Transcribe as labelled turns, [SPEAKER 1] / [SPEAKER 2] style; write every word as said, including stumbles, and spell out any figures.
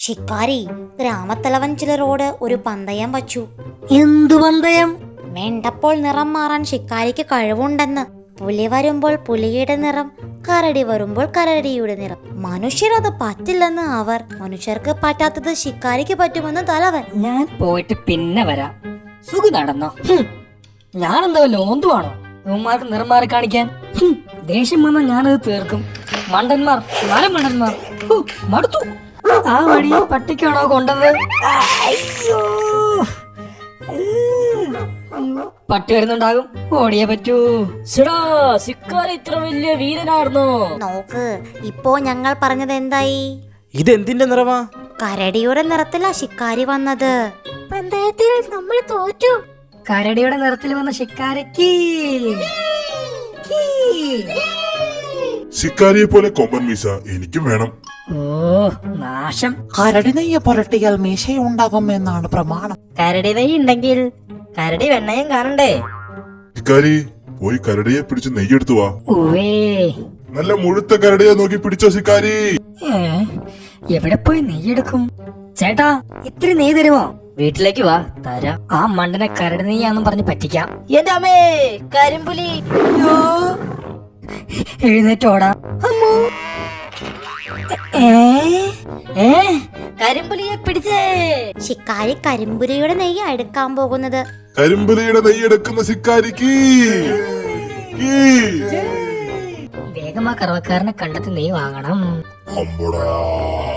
[SPEAKER 1] ശിക്കാരി ഗ്രാമത്തലവൻ ചിലരോട് ഒരു പന്തയം വച്ചു.
[SPEAKER 2] എന്തു പന്തയം?
[SPEAKER 1] വേണ്ടപ്പോൾ നിറം മാറാൻ ശിക്കാരിക്ക് കഴിവുണ്ടെന്ന്. പുലി വരുമ്പോൾ പുലിയുടെ നിറം, കരടി വരുമ്പോൾ കരടിയുടെ നിറം. മനുഷ്യരത് പറ്റില്ലെന്ന് അവർ. മനുഷ്യർക്ക് പറ്റാത്തത് ശിക്കാരിക്ക് പറ്റുമെന്ന് തലവൻ.
[SPEAKER 2] ഞാൻ പോയിട്ട് പിന്നെ വരാം. സുഖം നടന്നോ? ഞാനെന്താ ലോന്തുവാണോ ഇവന്മാർക്ക് നിറം മാറി കാണിക്കാൻ? ഹും, ദേഷ്യം വന്നാൽ ഞാനത് തീർക്കും. മണ്ടന്മാർ, നാല് മണ്ടന്മാർ. ഹു, മടുത്തു. ആ വഴി പട്ടിക്കാണോ കൊണ്ടത്? അയ്യോ, പട്ടി വരുന്നുണ്ടാകും, ഓടിയേ പറ്റൂ. ശിക്കാരി ഇത്ര വലിയ വീരനായിരുന്നോ?
[SPEAKER 1] നോക്ക്, ഇപ്പോ ഞങ്ങൾ പറഞ്ഞത് എന്തായി?
[SPEAKER 3] ഇതെന്തിന്റെ നിറമാ?
[SPEAKER 1] കരടിയുടെ നിറത്തിലാ ശിക്കാരി വന്നത്. പന്തയത്തിൽ നമ്മൾ തോറ്റു.
[SPEAKER 2] കരടിയുടെ നിറത്തിൽ വന്ന ശിക്കാരിക്ക്
[SPEAKER 4] ശിക്കാരിയെ പോലെ കൊമ്പൻ മീശ എനിക്കും വേണം.
[SPEAKER 2] ഓ നാശം.
[SPEAKER 5] കരടി നെയ്യ് പുരട്ടിയാൽ മീശയുണ്ടാകും എന്നാണ് പ്രമാണം.
[SPEAKER 2] കരടി നെയ്യ് ഉണ്ടെങ്കിൽ കരടി വെണ്ണയും കാണണ്ടേ?
[SPEAKER 4] ശിക്കാരി പോയി കരടിയെ പിടിച്ച് നെയ്യെടുത്തു വാ.
[SPEAKER 2] ഉവേ,
[SPEAKER 4] നല്ല മുഴുത്ത കരടിയെ നോക്കി പിടിച്ചോ ശിക്കാരി.
[SPEAKER 2] ഏ, എവിടെ പോയി നെയ്യെടുക്കും? ചേട്ടാ, ഇത്തിരി നെയ്യ് തരുമോ? വീട്ടിലേക്ക് വാ, തരാം. ആ മണ്ടനെ കരടി നെയ്യാന്നും പറഞ്ഞ് പറ്റിക്കാം. എന്റെ അമ്മേ, കരിമ്പുലി! എഴുന്നേറ്റോടാ. കരിമ്പുലിയെ പിടിച്ചേ.
[SPEAKER 1] ശിക്കാരി കരിമ്പുലിയുടെ നെയ്യ് എടുക്കാൻ പോകുന്നത്.
[SPEAKER 4] കരിമ്പുലിയുടെ നെയ്യെടുക്കുന്ന ശിക്കാരിക്ക്
[SPEAKER 2] വേഗമാ കറവക്കാരനെ കണ്ടെത്തി നെയ്യ് വാങ്ങണം.
[SPEAKER 4] അമ്പടാ.